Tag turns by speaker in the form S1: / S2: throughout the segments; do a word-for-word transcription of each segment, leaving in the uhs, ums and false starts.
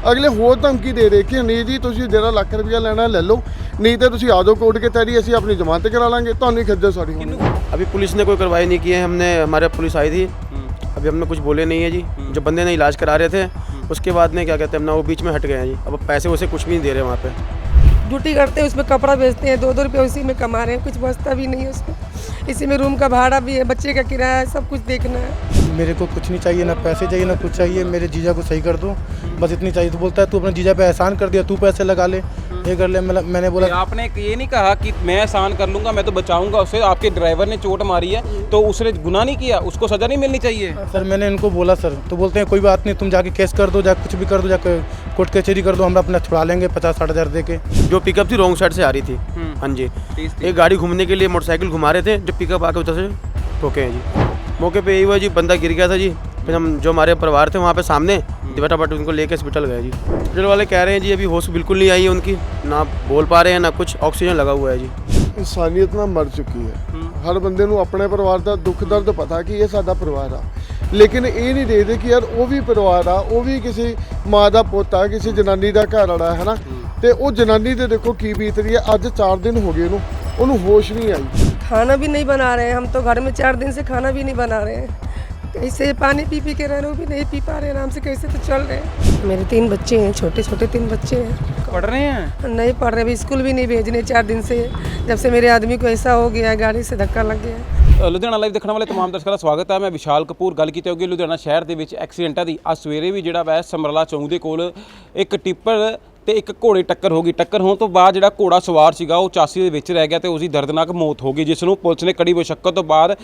S1: ਅਗਲੇ ਹੋਰ ਧਮਕੀ ਦੇ ਦੇ ਕਿ ਨਹੀਂ ਜੀ ਤੁਸੀਂ ਜਿਹੜਾ ਲੱਖ ਰੁਪਇਆ ਲੈਣਾ ਲੈ ਲਓ, नहीं तो तुसी आ जाओ कोर्ट के तहरी असी अपनी जमानत करा लांगे, तो खज्जल सारी होनी।
S2: अभी पुलिस ने कोई कार्रवाई नहीं की है, हमने हमारे पुलिस आई थी, अभी हमने कुछ बोले नहीं है जी। जो बंदे ने इलाज करा रहे थे उसके बाद में क्या कहते हैं अपना वो बीच में हट गए हैं जी। अब पैसे वैसे कुछ भी नहीं दे रहे वहाँ पे।
S3: ड्यूटी करते हैं उसमें कपड़ा बेचते हैं, दो दो रुपये उसी में कमा रहे हैं, कुछ बचता भी नहीं है उसमें। इसी में रूम का भाड़ा भी है, बच्चे का किराया है, सब कुछ देखना है।
S4: मेरे को कुछ नहीं चाहिए, ना पैसे चाहिए ना कुछ चाहिए, मेरे जीजा को सही कर दो, बस इतनी चाहिए। तो बोलता है तू अपने जीजा पे एहसान कर दिया, तू पैसे लगा ले, ये कर ले। मैंने बोला
S5: आपने ये नहीं कहा कि मैं एहसान कर लूँगा, मैं तो बचाऊंगा उसे। आपके ड्राइवर ने चोट मारी है तो उसने गुनाह नहीं किया, उसको सज़ा नहीं मिलनी चाहिए।
S4: सर मैंने इनको बोला सर, तो बोलते हैं कोई बात नहीं, तुम जाके केस कर दो, जाके कुछ भी कर दो, जाके कोर्ट कचहरी कर दो, हम अपना छुड़ा लेंगे पचास साठ हज़ार दे के।
S2: जो पिकअप थी रॉन्ग साइड से आ रही थी, हाँ जी। एक गाड़ी घूमने के लिए मोटरसाइकिल घुमा रहे थे, जो पिकअप आके उधर से ठोके हैं जी। मौके पे यही हुआ जी, बंदा गिर गया था जी। फिर हम जो हमारे परिवार थे वहाँ पे सामने फटाफट उनको लेके हॉस्पिटल गए जी। हॉस्पिटल वाले कह रहे हैं जी अभी होश बिल्कुल नहीं आई है उनकी, ना बोल पा रहे हैं ना कुछ, ऑक्सीजन लगा हुआ है जी।
S1: इंसानियत ना मर चुकी है। हर बंदे नूं अपने परिवार का दुख दर्द पता कि ये साडा परिवार आ, लेकिन ये नहीं देखते कि यार वो भी परिवार आ, वो भी किसी माँ का पोता, किसी जनानी का घर वाला है ना, तो वो जनानी तो देखो की बीत रही है। अज चार दिन हो गए उन्होंने होश नहीं आई।
S3: खाना भी नहीं बना रहे हैं हम तो, घर में चार दिन से खाना भी नहीं बना रहे हैं। कैसे पानी पी पी के रह रहे, वो भी नहीं पी पा रहे आराम से, कैसे तो चल रहे हैं। मेरे तीन बच्चे हैं, छोटे छोटे तीन बच्चे हैं।
S5: पढ़ रहे हैं?
S3: नहीं पढ़ रहे, अभी स्कूल भी नहीं भेजने चार दिन से, जब से मेरे आदमी को ऐसा हो गया है, गाड़ी से धक्का लग गया है।
S5: ਲੁਧਿਆਣਾ ਲਾਈਵ ਦੇਖਣ ਵਾਲੇ तमाम ਦਰਸ਼ਕਾਂ ਦਾ ਸਵਾਗਤ ਹੈ। ਮੈਂ ਵਿਸ਼ਾਲ ਕਪੂਰ ਗੱਲ ਕੀਤੀ ਹੋਗੀ ਲੁਧਿਆਣਾ ਸ਼ਹਿਰ ਦੇ ਵਿੱਚ ਐਕਸੀਡੈਂਟਾਂ ਦੀ। ਅੱਜ ਸਵੇਰੇ ਵੀ ਜਿਹੜਾ ਵੈ ਸਮਰਲਾ ਚੌਂਕ ਦੇ ਕੋਲ ਇੱਕ ਟਿੱਪਰ ਤੇ ਇੱਕ ਘੋੜੇ ਟੱਕਰ ਹੋ ਗਈ। ਟੱਕਰ ਹੋਣ ਤੋਂ ਬਾਅਦ ਜਿਹੜਾ ਘੋੜਾ ਸਵਾਰ ਸੀਗਾ ਉਹ ਚਾਸੀ ਦੇ ਵਿੱਚ ਰਹਿ ਗਿਆ ਤੇ ਉਸਦੀ ਦਰਦਨਾਕ ਮੌਤ ਹੋ ਗਈ, ਜਿਸ ਨੂੰ ਪੁਲਿਸ ਨੇ ਕੜੀ ਮੁਸ਼ੱਕਤ ਤੋਂ ਬਾਅਦ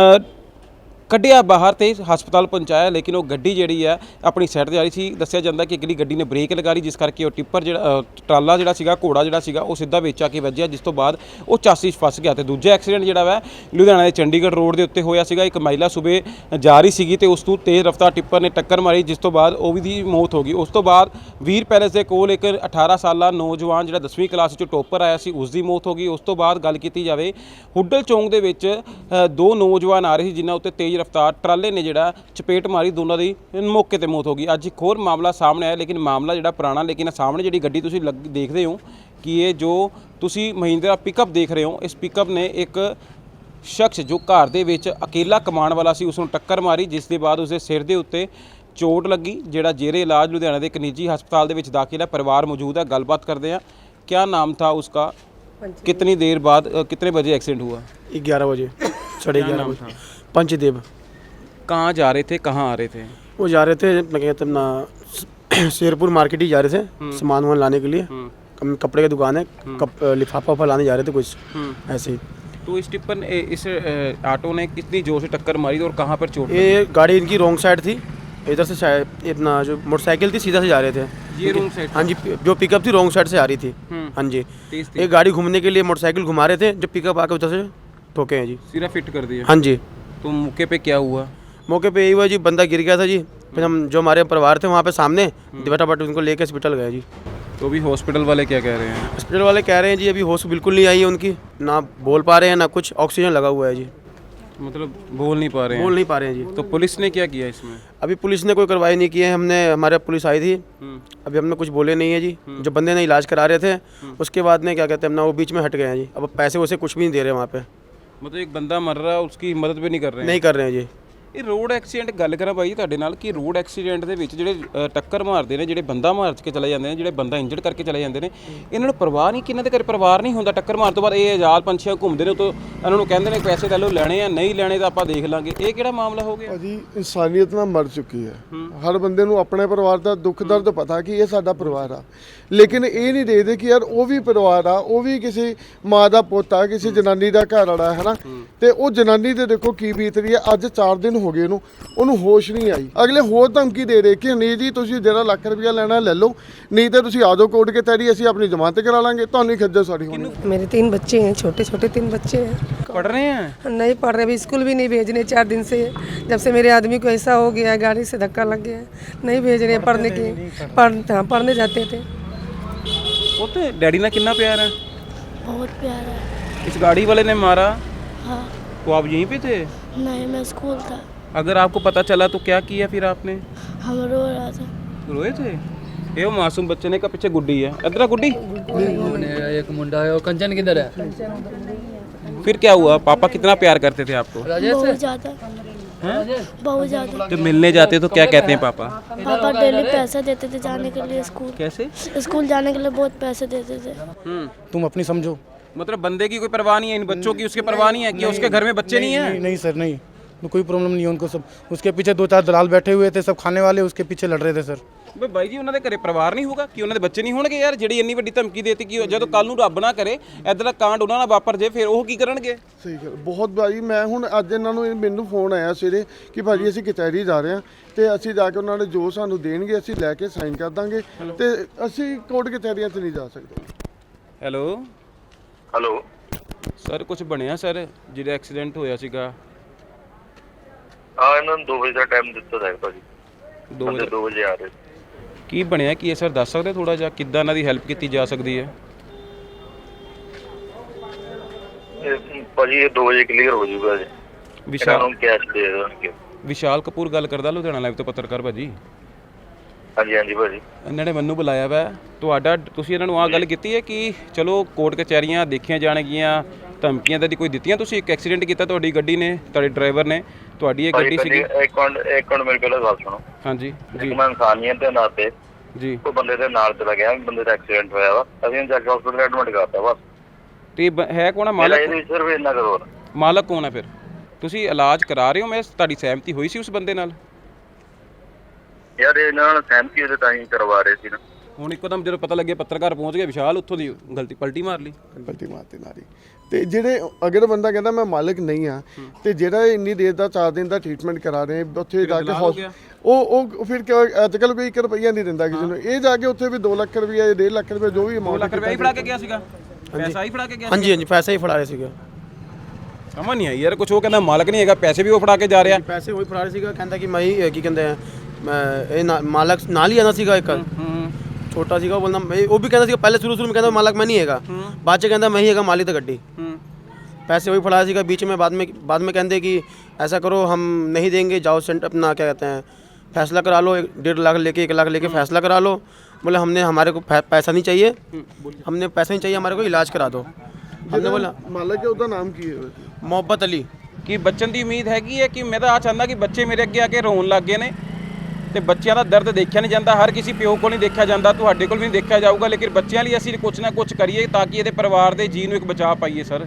S5: ਕੱਢਿਆ ਬਾਹਰ ਤੇ ਹਸਪਤਾਲ ਪਹੁੰਚਾਇਆ। ਲੇਕਿਨ ਉਹ ਗੱਡੀ ਜਿਹੜੀ ਹੈ ਆਪਣੀ ਸਾਈਡ 'ਤੇ ਆ ਰਹੀ ਸੀ। ਦੱਸਿਆ ਜਾਂਦਾ ਕਿ ਅਗਲੀ ਗੱਡੀ ਨੇ ਬ੍ਰੇਕ ਲਗਾ ਲਈ, ਜਿਸ ਕਰਕੇ ਉਹ ਟਿੱਪਰ ਜਿਹੜਾ ਟਰਾਲਾ ਜਿਹੜਾ ਸੀਗਾ, ਘੋੜਾ ਜਿਹੜਾ ਸੀਗਾ ਉਹ ਸਿੱਧਾ ਵਿੱਚ ਆ ਕੇ ਵੱਜਿਆ, ਜਿਸ ਤੋਂ ਬਾਅਦ ਉਹ ਚਾਸੀ 'ਚ ਫਸ ਗਿਆ। ਤੇ ਦੂਜਾ ਐਕਸੀਡੈਂਟ ਜਿਹੜਾ ਵਾ ਲੁਧਿਆਣਾ ਦੇ ਚੰਡੀਗੜ੍ਹ ਰੋਡ ਦੇ ਉੱਤੇ ਹੋਇਆ ਸੀਗਾ। ਇੱਕ ਮਹਿਲਾ ਸੂਬੇ ਜਾ ਰਹੀ ਸੀਗੀ ਤੇ ਉਸ ਨੂੰ ਤੇਜ਼ ਰਫ਼ਤਾਰ ਟਿੱਪਰ ਨੇ ਟੱਕਰ ਮਾਰੀ, ਜਿਸ ਤੋਂ ਬਾਅਦ ਉਹ ਵੀ ਦੀ ਮੌਤ ਹੋ ਗਈ। ਉਸ ਤੋਂ ਬਾਅਦ ਵੀਰ ਪੈਲੇਸ ਦੇ ਕੋਲ ਇੱਕ ਅਠਾਰਾਂ ਸਾਲਾ ਨੌਜਵਾਨ ਜਿਹੜਾ ਦਸਵੀਂ ਕਲਾਸ 'ਚੋਂ ਟੋਪਰ ਆਇਆ ਸੀ, ਉਸ ਦੀ ਮੌਤ ਹੋ ਗਈ। ਉਸ ਤੋਂ ਬਾਅਦ ਗੱਲ ਕੀਤੀ ਜਾਵੇ ਹੁੱਡਲ ਚੌਂਕ ਦੇ ਵਿੱਚ ਦੋ ਨੌਜਵਾਨ ਆ ਰਹੇ ਸੀ, ਜਿਨ੍ਹਾਂ ਉੱਤੇ ਤੇਜ਼ ਰਫ਼ਤਾਰ ਟਰਾਲੇ ਜਿਹੜਾ ਚਪੇਟ ਮਾਰੀ, ਦੋਨਾਂ ਦੀ ਮੌਕੇ ਤੇ ਮੌਤ ਹੋ ਗਈ। ਅੱਜ ਇੱਕ ਹੋਰ ਮਾਮਲਾ ਸਾਹਮਣੇ ਆਇਆ, ਲੇਕਿਨ ਮਾਮਲਾ ਜਿਹੜਾ ਪੁਰਾਣਾ, ਲੇਕਿਨ ਸਾਹਮਣੇ ਜਿਹੜੀ ਗੱਡੀ ਤੁਸੀਂ ਦੇਖਦੇ ਹੋ ਕਿ ਇਹ ਜੋ ਤੁਸੀਂ ਮਹਿੰਦਰਾ ਪਿਕਅਪ ਦੇਖ ਰਹੇ ਹੋ, ਇਸ ਪਿਕਅਪ ਨੇ ਇੱਕ ਸ਼ਖਸ ਜੋ ਘਰ ਦੇ ਵਿੱਚ ਅਕੇਲਾ ਕਮਾਉਣ ਵਾਲਾ ਸੀ ਉਸ ਨੂੰ ਟੱਕਰ ਮਾਰੀ, ਜਿਸ ਦੇ ਬਾਅਦ ਉਸਦੇ ਸਿਰ ਦੇ ਉੱਤੇ ਚੋਟ ਲੱਗੀ, ਜਿਹੜਾ ਜੇਰੇ ਇਲਾਜ ਲੁਧਿਆਣਾ ਦੇ ਇੱਕ ਨਿੱਜੀ ਹਸਪਤਾਲ ਦੇ ਵਿੱਚ ਦਾਖਲ ਹੈ। ਪਰਿਵਾਰ ਮੌਜੂਦ ਹੈ, ਗੱਲਬਾਤ ਕਰਦੇ हैं। क्या नाम था उसका, कितनी देर बाद कितने बजे एक्सीडेंट हुआ?
S2: ग्यारह बजे साढ़े ग्यारह बजे। पंचदेव।
S5: कहाँ जा रहे थे, कहाँ आ रहे थे?
S2: वो जा रहे थे मैं कहते अपना शेरपुर मार्केट ही जा रहे थे सामान वामान लाने के लिए। कपड़े की दुकान है, कप लिफाफा वफा लाने जा रहे थे कुछ ऐसे ही।
S5: तो इस टिप्पर इस ऑटो ने कितनी जोर से टक्कर मारी और कहाँ पर चोट?
S2: ये गाड़ी इनकी रॉन्ग साइड थी, इधर से शायद अपना जो मोटरसाइकिल थी सीधा से जा रहे थे।
S5: ये रॉन्ग साइड?
S2: हाँ जी, जो पिकअप थी रॉन्ग साइड से आ रही थी, हाँ जी। एक गाड़ी घूमने के लिए मोटरसाइकिल घुमा रहे थे, जो पिकअप आके उधर से ठोके हैं जी,
S5: सिरा फिट कर दिया।
S2: हाँ जी।
S5: तो मौके पे क्या हुआ?
S2: मौके पे यही हुआ जी, बंदा गिर गया था जी। फिर हम जो हमारे परिवार थे वहाँ पे सामने फटाफट उनको लेके हॉस्पिटल गए जी।
S5: तो अभी हॉस्पिटल वाले क्या कह रहे हैं?
S2: हॉस्पिटल वाले कह रहे हैं जी अभी होश बिल्कुल नहीं आई है उनकी, ना बोल पा रहे हैं ना कुछ, ऑक्सीजन लगा हुआ है जी।
S5: मतलब बोल नहीं पा रहे हैं?
S2: बोल नहीं पा रहे हैं जी।
S5: तो पुलिस ने क्या किया इसमें?
S2: अभी पुलिस ने कोई कार्रवाई नहीं की है, हमने हमारे पुलिस आई थी, अभी हमने कुछ बोले नहीं है जी। जो बंदे ने इलाज करा रहे थे उसके बाद में क्या कहते हैं अपना वो बीच में हट गए हैं जी। अब पैसे वैसे कुछ भी नहीं दे रहे वहाँ पे।
S5: मतलब एक बंदा मर रहा है, उसकी मदद भी नहीं कर रहे हैं?
S2: नहीं कर रहे हैं जी।
S5: ਇਹ ਰੋਡ ਐਕਸੀਡੈਂਟ ਗੱਲ ਕਰਾਂ ਭਾਈ ਤੁਹਾਡੇ ਨਾਲ ਕਿ ਰੋਡ ਐਕਸੀਡੈਂਟ ਦੇ ਵਿੱਚ ਜਿਹੜੇ ਟੱਕਰ ਮਾਰਦੇ ਨੇ, ਜਿਹੜੇ ਬੰਦਾ ਮਾਰ ਕੇ ਚਲੇ ਜਾਂਦੇ ਨੇ, ਜਿਹੜੇ ਬੰਦਾ ਇੰਜਰਡ ਕਰਕੇ ਚਲੇ ਜਾਂਦੇ ਨੇ, ਇਹਨਾਂ ਨੂੰ ਪਰਵਾਹ ਨਹੀਂ ਕਿ ਇਹਨਾਂ ਦੇ ਘਰ ਪਰਿਵਾਰ ਨਹੀਂ ਹੁੰਦਾ। ਟੱਕਰ ਮਾਰਨ ਤੋਂ ਬਾਅਦ ਇਹ ਆਜ਼ਾਦ ਪੰਛੀਆਂ ਘੁੰਮਦੇ ਨੇ, ਉਤੋਂ ਇਹਨਾਂ ਨੂੰ ਕਹਿੰਦੇ ਨੇ ਪੈਸੇ ਲੈ ਲਓ, ਲੈਣੇ ਆ ਨਹੀਂ ਲੈਣੇ ਤਾਂ ਆਪਾਂ ਦੇਖ ਲਾਂਗੇ। ਇਹ ਕਿਹੜਾ ਮਾਮਲਾ ਹੋ ਗਿਆ
S1: ਜੀ? ਇਨਸਾਨੀਅਤ ਨਾ ਮਰ ਚੁੱਕੀ ਹੈ। ਹਰ ਬੰਦੇ ਨੂੰ ਆਪਣੇ ਪਰਿਵਾਰ ਦਾ ਦੁੱਖ ਦਰਦ ਪਤਾ ਕਿ ਇਹ ਸਾਡਾ ਪਰਿਵਾਰ ਆ, ਲੇਕਿਨ ਇਹ ਨਹੀਂ ਦੇਖਦੇ ਕਿ ਯਾਰ ਉਹ ਵੀ ਪਰਿਵਾਰ ਆ, ਉਹ ਵੀ ਕਿਸੇ ਮਾਂ ਦਾ ਪੋਤਾ, ਕਿਸੇ ਜਨਾਨੀ ਦਾ ਘਰ ਵਾਲਾ ਹੈ ਨਾ, ਤੇ ਉਹ ਜਨਾਨੀ ਤੇ ਦੇਖੋ ਕੀ ਬੀਤ ਰਹੀ ਹੈ। ਅੱਜ ਚਾਰ ਦਿਨ ਹੋ ਗਏ ਉਹਨੂੰ ਉਹਨੂੰ ਹੋਸ਼ ਨਹੀਂ ਆਈ। ਅਗਲੇ ਹੋਰ ਧਮਕੀ ਦੇ ਦੇ ਕਿ ਨਹੀਂ ਜੀ ਤੁਸੀਂ ਜਿਹੜਾ ਲੱਖ ਰੁਪਇਆ ਲੈਣਾ ਲੈ ਲਓ, नहीं तो तुसी आ जाओ कोर्ट के तहरी असी अपनी जमानत करा लांगे, तो खज्जल सारी होनी।
S3: मेरे तीन बच्चे हैं, छोटे छोटे तीन बच्चे हैं।
S5: पढ़ रहे हैं?
S3: नहीं पढ़ रहे, अभी स्कूल भी नहीं भेजने चार दिन से, जब से मेरे आदमी को ऐसा हो गया है, गाड़ी से धक्का लग गया है, नहीं भेज रहे पढ़ने की। पढ़ हाँ पढ़ने जाते थे।
S5: वो तो डैडी ना कितना प्यार है?
S6: बहुत प्यार है।
S5: इस गाड़ी वाले ने मारा?
S6: हाँ।
S5: तो आप यहीं पे थे?
S6: नहीं, मैं स्कूल था।
S5: अगर आपको पता चला तो क्या किया फिर आपने?
S6: हम रो रहा था।
S5: रोए थे? ਇਹ ਉਹ ਮਾਸੂਮ ਬੱਚੇ ਨੇ ਇੱਕ ਪਿੱਛੇ ਗੁੱਡੀ ਹੈ, ਇਧਰ ਆ ਗੁੱਡੀ।
S7: एक मुंडा है और कंचन किधर है?
S5: फिर क्या हुआ? पापा कितना प्यार करते थे आपको?
S6: बहुत ज़्यादा बहुत ज़्यादा।
S5: जब मिलने जाते तो क्या कहते हैं पापा?
S6: पापा डेली पैसे देते थे जाने के लिए स्कूल।
S5: कैसे?
S6: स्कूल जाने के लिए बहुत पैसे देते थे।
S4: तुम अपनी समझो।
S5: मतलब बंदे की कोई परवाह नहीं है, इन बच्चों की उसके परवाह नहीं है कि उसके घर में बच्चे नहीं
S4: नहीं,
S5: हैं?
S4: नहीं सर नहीं, तो कोई प्रॉब्लम नहीं है उनको। सब उसके पीछे दो चार दलाल बैठे हुए थे, सब खाने वाले उसके पीछे लड़ रहे थे सर।
S5: ਬਈ ਬਾਈ ਜੀ ਉਹਨਾਂ ਦੇ ਘਰੇ ਪਰਿਵਾਰ ਨਹੀਂ ਹੋਊਗਾ ਕਿ ਉਹਨਾਂ ਦੇ ਬੱਚੇ ਨਹੀਂ ਹੋਣਗੇ ਯਾਰ, ਜਿਹੜੀ ਇੰਨੀ ਵੱਡੀ ਧਮਕੀ ਦੇਤੀ ਕਿ ਜਦੋਂ ਕੱਲ ਨੂੰ ਰੱਬ ਨਾ ਕਰੇ ਇਦਾਂ ਦਾ ਕਾਂਡ ਉਹਨਾਂ ਨਾਲ ਵਾਪਰ ਜੇ ਫਿਰ ਉਹ ਕੀ ਕਰਨਗੇ?
S1: ਸਹੀ ਗੱਲ, ਬਹੁਤ ਭਾਜੀ ਮੈਂ ਹੁਣ ਅੱਜ ਇਹਨਾਂ ਨੂੰ ਮੈਨੂੰ ਫੋਨ ਆਇਆ ਸਵੇਰੇ ਕਿ ਭਾਜੀ ਅਸੀਂ ਕਚਹਿਰੀ ਜਾ ਰਹੇ ਹਾਂ ਤੇ ਅਸੀਂ ਜਾ ਕੇ ਉਹਨਾਂ ਨੇ ਜੋ ਸਾਨੂੰ ਦੇਣਗੇ ਅਸੀਂ ਲੈ ਕੇ ਸਾਈਨ ਕਰ ਦਾਂਗੇ ਤੇ ਅਸੀਂ ਕੋਰਟ ਕਚਹਿਰੀਆਂ 'ਚ ਨਹੀਂ ਜਾ ਸਕਦੇ।
S5: ਹੈਲੋ
S8: ਹੈਲੋ
S5: ਸਰ, ਕੁਝ ਬਣਿਆ ਸਰ ਜਿਹੜਾ ਐਕਸੀਡੈਂਟ ਹੋਇਆ ਸੀਗਾ?
S8: ਆ ਇਹਨਾਂ ਨੂੰ ਦੋ ਵਜੇ ਦਾ ਟਾਈਮ ਦਿੱਤਾ ਜਾਏਗਾ ਭਾਜੀ,
S5: ਦੋ
S8: ਬੰਦੇ
S5: ਵਜੇ
S8: ਦੋ ਵਜੇ ਆ ਰਹੇ।
S5: ਕੀ ਬਣਿਆ ਕੀ ਹੈ ਸਰ, ਦੱਸ ਸਕਦੇ ਥੋੜਾ ਜਿਹਾ ਕਿੱਦਾਂ ਇਹਨਾਂ ਦੀ ਹੈਲਪ ਕੀਤੀ ਜਾ ਸਕਦੀ ਹੈ?
S8: ਇਹ ਭਾਜੀ ਇਹ ਦੋ ਵਜੇ ਕਲੀਅਰ ਹੋ ਜਾਊਗਾ ਜੀ, ਇਹਨਾਂ
S5: ਵਿਸ਼ਾਲ
S8: ਨੂੰ ਕੈਸ਼ ਦੇ ਦੇਣਗੇ।
S5: ਵਿਸ਼ਾਲ ਕਪੂਰ ਗੱਲ ਕਰਦਾ, ਲੁਧਿਆਣਾ ਲਾਈਵ ਤੋਂ ਪੱਤਰਕਾਰ ਭਾਜੀ।
S8: ਹਾਂਜੀ ਹਾਂਜੀ ਭਾਜੀ।
S5: ਇਹਨਾਂ ਨੇ ਮੈਨੂੰ ਬੁਲਾਇਆ ਵਾ ਤੁਹਾਡਾ, ਤੁਸੀਂ ਇਹਨਾਂ ਨੂੰ ਆਹ ਗੱਲ ਕੀਤੀ ਹੈ ਕਿ ਚਲੋ ਕੋਰਟ ਕਚਹਿਰੀਆਂ ਦੇਖੀਆਂ ਜਾਣਗੀਆਂ, ਧਮਕੀਆਂ ਤਾਂ ਦੀ ਕੋਈ ਦਿੱਤੀਆਂ? ਤੁਸੀਂ ਇੱਕ ਐਕਸੀਡੈਂਟ ਕੀਤਾ ਤੁਹਾਡੀ ਗੱਡੀ ਨੇ, ਤੁਹਾਡੇ ਡਰਾਈਵਰ ਨੇ, ਤੁਹਾਡੀ ਇਹ ਗੱਡੀ ਸੀਗੀ।
S8: ਇੱਕ ਮਿੰਟ ਇੱਕ ਮਿੰਟ ਮੇਰੀ ਪਹਿਲਾਂ ਗੱਲ ਸੁਣੋ।
S5: ਹਾਂਜੀ
S8: ਇੱਕ
S5: ਜੀ
S8: ਮੈਂ ਇਨਸਾਨੀਅਤ ਦੇ ਨਾਤੇ
S5: ਜੀ।
S8: ਉਹ ਬੰਦੇ ਦੇ ਨਾਲ ਚਲਾ ਗਿਆ, ਬੰਦੇ ਦਾ ਐਕਸੀਡੈਂਟ ਹੋਇਆ ਵਾ, ਅਸੀਂ ਉਹਨੂੰ ਜਾ ਕੇ ਹਸਪੀਟਲ ਐਡਮਿਟ ਕਰਤਾ ਬਸ।
S5: ਤੇ ਬ- ਹੈ ਕੌਣ ਆ
S8: ਮੇਰਾ
S5: ਮਾਲਕ?
S8: ਇਹਦੇ ਸਿਰਫ ਇੰਨਾ ਕਰੋ ਨਾ।
S5: ਮਾਲਕ ਕੌਣ ਹੈ ਫਿਰ? ਤੁਸੀਂ ਇਲਾਜ ਕਰਾ ਰਹੇ ਹੋ, ਮੈਂ ਤੁਹਾਡੀ ਸਹਿਮਤੀ ਹੋਈ ਸੀ ਉਸ ਬੰਦੇ ਨਾਲ?
S8: ਯਾਰ ਇਹਨਾਂ ਨਾਲ ਸਹਿਮਤੀ ਉਹਦੇ ਤਾਂ ਹੀ ਕਰਵਾ ਰਹੇ ਸੀ ਨਾ।
S5: ਹੁਣ ਇੱਕਦਮ ਜਦੋਂ ਪਤਾ ਲੱਗਿਆ ਪੱਤਰਕਾਰ ਪਹੁੰਚ ਗਿਆ ਵਿਸ਼ਾਲ, ਉੱਥੋਂ ਦੀ ਗਲਤੀ ਪਲਟੀ ਮਾਰ ਲਈ।
S1: ਗਲਤੀ ਮਾਰਤੀ ਨਾਰੀ ਤੇ ਜਿਹੜੇ ਅਗਰ ਬੰਦਾ ਕਹਿੰਦਾ ਮੈਂ ਮਾਲਕ ਨਹੀਂ ਆ ਤੇ ਜਿਹੜਾ ਇੰਨੀ ਦੇਰ ਦਾ ਚਾਰ ਦਿਨ ਦਾ ਟ੍ਰੀਟਮੈਂਟ ਕਰਾ ਰਹੇ ਉੱਥੇ ਜਾ ਕੇ
S5: ਦਲਾਲ ਹੋ ਗਿਆ।
S1: ਉਹ ਉਹ ਫਿਰ ਅੱਜ ਕੱਲ੍ਹ ਕੋਈ ਇੱਕ ਰੁਪਈਆ ਨਹੀਂ ਦਿੰਦਾ ਕਿਸੇ ਨੂੰ, ਇਹ ਜਾ ਕੇ ਉੱਥੇ ਵੀ ਦੋ ਲੱਖ ਰੁਪਈਆ ਜਾਂ ਡੇਢ ਲੱਖ ਰੁਪਈਆ ਜੋ ਵੀ
S5: ਦੋ
S1: ਅਮਾਉਂਟ
S5: ਲੱਖ ਰੁਪਏ ਹੀ ਫੜਾ ਕੇ ਗਿਆ ਸੀਗਾ, ਪੈਸਾ ਹੀ ਫੜਾ ਕੇ ਗਿਆ?
S2: ਹਾਂਜੀ ਹਾਂਜੀ ਪੈਸੇ ਹੀ ਫੜਾ ਰਹੇ ਸੀਗੇ,
S5: ਸਮਝ ਨਹੀਂ ਆਈ ਯਾਰ, ਕੁਝ ਉਹ ਕਹਿੰਦਾ ਮਾਲਕ ਨਹੀਂ ਹੈਗਾ, ਪੈਸੇ ਵੀ ਉਹ ਫੜਾ ਕੇ ਜਾ ਰਿਹਾ।
S2: ਪੈਸੇ ਉਹੀ ਫੜਾ ਰਹੇ ਸੀਗਾ, ਕਹਿੰਦਾ ਕਿ ਮੈਂ ਹੀ ਕੀ ਕਹਿੰਦੇ ਆ ਮੈਂ ਇਹ ਨਾ- ਮਾਲਕ ਨਾਲ ਹੀ ਆਣਾ ਸੀਗਾ ਇੱਕ ਛੋਟਾ ਸੀਗਾ, ਉਹ ਬੋਲਦਾ ਮੈਂ- ਉਹ ਵੀ ਕਹਿੰਦਾ ਸੀਗਾ ਪਹਿਲੇ ਸ਼ੁਰੂ ਸ਼ੁਰੂ में ਕਹਿੰਦਾ ਮਾਲਕ मैं नहीं ਹੈਗਾ, ਬਾਅਦ 'ਚ ਕਹਿੰਦਾ मैं ही ਹੈਗਾ ਮਾलिक तो ਗੱਡੀ। पैसे वही फड़ा सीगा बीच में, बाद में बाद में कहते कि ऐसा करो हम नहीं देंगे, जाओ सेंट अपना क्या कहते हैं फैसला करा लो, एक डेढ़ लाख लेके एक लाख लेके फैसला करा लो। बोले हमने हमारे को पैसा नहीं चाहिए, हमने पैसा नहीं चाहिए, हमारे को इलाज करा दो। हमने बोला
S1: ਮਾਲਕ ਹੈ ਉਹਦਾ ਨਾਮ ਕੀ ਹੈ?
S2: मोहब्बत अली।
S5: ਕਿ ਬਚਣ ਦੀ ਉਮੀਦ ਹੈਗੀ ਹੈ ਕਿ ਮੈਂ ਤਾਂ ਆ ਚਾਹੁੰਦਾ ਕਿ ਬੱਚੇ ਮੇਰੇ ਅੱਗੇ ਆ ਕੇ ਰੋਣ ਲੱਗ ਗਏ ਨੇ ਤੇ ਬੱਚਿਆਂ ਦਾ ਦਰਦ ਦੇਖਿਆ ਨਹੀਂ ਜਾਂਦਾ, ਹਰ ਕਿਸੇ ਪਿਓ ਕੋਲ ਨਹੀਂ ਦੇਖਿਆ ਜਾਂਦਾ, ਤੁਹਾਡੇ ਕੋਲ ਵੀ ਨਹੀਂ ਦੇਖਿਆ ਜਾਊਗਾ, ਲੇਕਿਨ ਬੱਚਿਆਂ ਲਈ ਅਸੀਂ ਕੁਝ ਨਾ ਕੁਝ ਕਰੀਏ ਤਾਂ ਕਿ ਇਹਦੇ ਪਰਿਵਾਰ ਦੇ ਜੀਅ ਨੂੰ ਇੱਕ ਬਚਾ ਪਾਈਏ ਸਰ।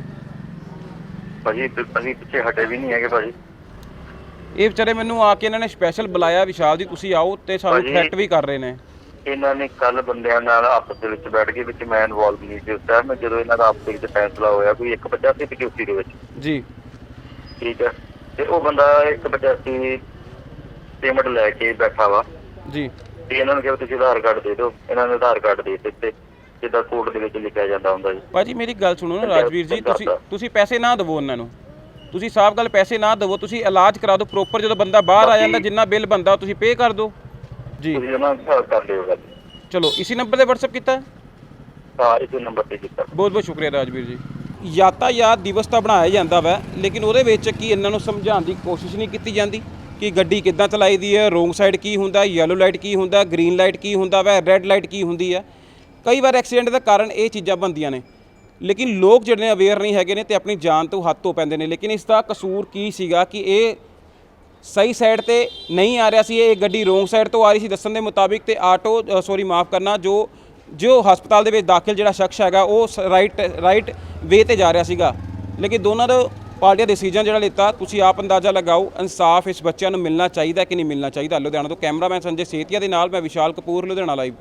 S8: ਭਾਜੀ ਅਸੀਂ ਪਿੱਛੇ ਹਟੇ ਵੀ ਨਹੀਂ ਹੈਗੇ ਭਾਜੀ।
S5: ਇਹ ਵਿਚਾਰੇ ਮੈਨੂੰ ਆ ਕੇ ਇਹਨਾਂ ਨੇ ਸਪੈਸ਼ਲ ਬੁਲਾਇਆ ਵਿਸ਼ਾਲ ਜੀ ਤੁਸੀਂ ਆਓ ਤੇ ਸਾਨੂੰ
S8: ਭਾਜੀ,
S5: ਥ੍ਰੈਟ ਵੀ ਕਰ ਰਹੇ ਨੇ।
S8: ਇਹਨਾਂ ਨੇ ਕੱਲ ਬੰਦਿਆਂ ਨਾਲ ਆਪਸ ਦੇ ਵਿੱਚ ਬੈਠ ਕੇ, ਵਿੱਚ ਮੈਂ ਇਨਵੋਲਵ ਨਹੀਂ ਸੀ ਉਸ ਟਾਈਮ, ਜਦੋਂ ਇਹਨਾਂ ਦਾ ਆਪਸ ਦੇ ਵਿੱਚ ਫੈਸਲਾ ਹੋਇਆ ਕੋਈ ਇੱਕ ਪਚਾਸੀ ਪਚਾਸੀ ਦੇ ਵਿੱਚ,
S5: ਜੀ
S8: ਠੀਕ ਹੈ, ਤੇ ਉਹ ਬੰਦਾ ਇੱਕ ਪਚਾਸੀ ਪੇਮੈਂਟ ਲੈ ਕੇ ਬੈਠਾ ਵਾ
S5: ਜੀ।
S8: ਤੇ ਇਹਨਾਂ ਨੂੰ ਕਿਹਾ ਤੁਸੀਂ ਆਧਾਰ ਕਾਰਡ ਦੇ ਦਿਓ, ਇਹਨਾਂ ਨੇ ਆਧਾਰ ਕਾਰਡ ਦੇ ਦਿੱਤੇ ਜਿੱਦਾਂ ਕੋਰਟ ਦੇ ਵਿੱਚ ਲਿਖਿਆ ਜਾਂਦਾ ਹੁੰਦਾ ਜੀ।
S5: ਭਾਜੀ ਮੇਰੀ ਗੱਲ ਸੁਣੋ ਨਾ ਰਾਜਵੀਰ ਜੀ, ਤੁਸੀਂ ਤੁਸੀਂ ਪੈਸੇ ਨਾ ਦੇਵੋ ਉਹਨਾਂ ਨੂੰ, ਤੁਸੀਂ ਸਾਫ਼ ਗੱਲ ਪੈਸੇ ਨਾ ਦੇਵੋ, ਤੁਸੀਂ ਇਲਾਜ ਕਰਾ ਦਿਓ ਪ੍ਰੋਪਰ, ਜਦੋਂ ਬੰਦਾ ਬਾਹਰ ਆ ਜਾਂਦਾ ਜਿੰਨਾ ਬਿੱਲ ਬੰਦਾ ਤੁਸੀਂ ਪੇ ਕਰ ਦਿਓ ਜੀ।
S8: ਤੁਸੀਂ ਉਹਨਾਂ ਨਾਲ ਕਰ ਲਿਓ ਗੱਲ।
S5: ਚਲੋ ਇਸੀ ਨੰਬਰ ਤੇ WhatsApp ਕੀਤਾ?
S8: ਹਾਂ ਇਸੇ ਨੰਬਰ ਤੇ ਕੀਤਾ।
S5: ਬਹੁਤ ਬਹੁਤ ਸ਼ੁਕਰੀਆ ਰਾਜਵੀਰ ਜੀ। ਯਾਤਾਯਾਤ ਦਿਵਸ ਤਾਂ ਬਣਾਇਆ ਜਾਂਦਾ ਵਾ, ਲੇਕਿਨ ਉਹਦੇ ਵਿੱਚ ਕੀ ਇਹਨਾਂ ਨੂੰ ਸਮਝਾਉਣ ਦੀ ਕੋਸ਼ਿਸ਼ ਨਹੀਂ ਕੀਤੀ ਜਾਂਦੀ ਕਿ ਗੱਡੀ ਕਿੱਦਾਂ ਚਲਾਈ ਦੀ ਹੈ, ਰੋਂਗ ਸਾਈਡ ਕੀ ਹੁੰਦਾ, ਯੈਲੋ ਲਾਈਟ ਕੀ ਹੁੰਦਾ, ਗ੍ਰੀਨ ਲਾਈਟ ਕੀ ਹੁੰਦਾ ਵਾ, ਰੈੱਡ ਲਾਈਟ ਕੀ ਹੁੰਦੀ ਹੈ। ਕਈ ਵਾਰ ਐਕਸੀਡੈਂਟ ਦਾ ਕਾਰਨ ਇਹ ਚੀਜ਼ਾਂ ਬਣਦੀਆਂ ਨੇ, ਲੇਕਿਨ ਲੋਕ ਜਿਹੜੇ ਨੇ ਅਵੇਅਰ ਨਹੀਂ ਹੈਗੇ ਨੇ ਤੇ ਆਪਣੀ ਜਾਨ ਤੋਂ ਹੱਥ ਧੋ ਪੈਂਦੇ ਨੇ। ਲੇਕਿਨ ਇਸ ਦਾ ਕਸੂਰ ਕੀ ਸੀਗਾ ਕਿ ਇਹ ਸਹੀ ਸਾਈਡ ਤੇ ਨਹੀਂ ਆ ਰਿਹਾ ਸੀ, ਇਹ ਗੱਡੀ ਰੋਂਗ ਸਾਈਡ ਤੋਂ ਆ ਰਹੀ ਸੀ ਦੱਸਣ ਦੇ ਮੁਤਾਬਿਕ, ਤੇ ਆਟੋ ਸੌਰੀ ਮਾਫ ਕਰਨਾ ਜੋ ਜੋ ਹਸਪਤਾਲ ਦੇ ਵਿੱਚ ਦਾਖਲ ਜਿਹੜਾ ਸ਼ਖਸ ਹੈਗਾ ਉਹ ਰਾਈਟ ਰਾਈਟ ਵੇ ਤੇ ਜਾ ਰਿਹਾ ਸੀਗਾ। ਲੇਕਿਨ ਦੋਨਾਂ ਦਾ ਪਾਰਟੀਆਂ ਡਿਸੀਜਨ ਜਿਹੜਾ ਲਿੱਤਾ ਤੁਸੀਂ ਆਪ ਅੰਦਾਜ਼ਾ ਲਗਾਓ। ਇਨਸਾਫ ਇਸ ਬੱਚਿਆਂ ਨੂੰ ਮਿਲਣਾ ਚਾਹੀਦਾ ਕਿ ਨਹੀਂ ਮਿਲਣਾ ਚਾਹੀਦਾ। ਲੁਧਿਆਣਾ ਤੋਂ ਕੈਮਰਾਮੈਨ ਸੰਜੇ ਸੇਤੀਆ ਦੇ ਨਾਲ ਮੈਂ ਵਿਸ਼ਾਲ ਕਪੂਰ, ਲੁਧਿਆਣਾ ਲਾਈਵ।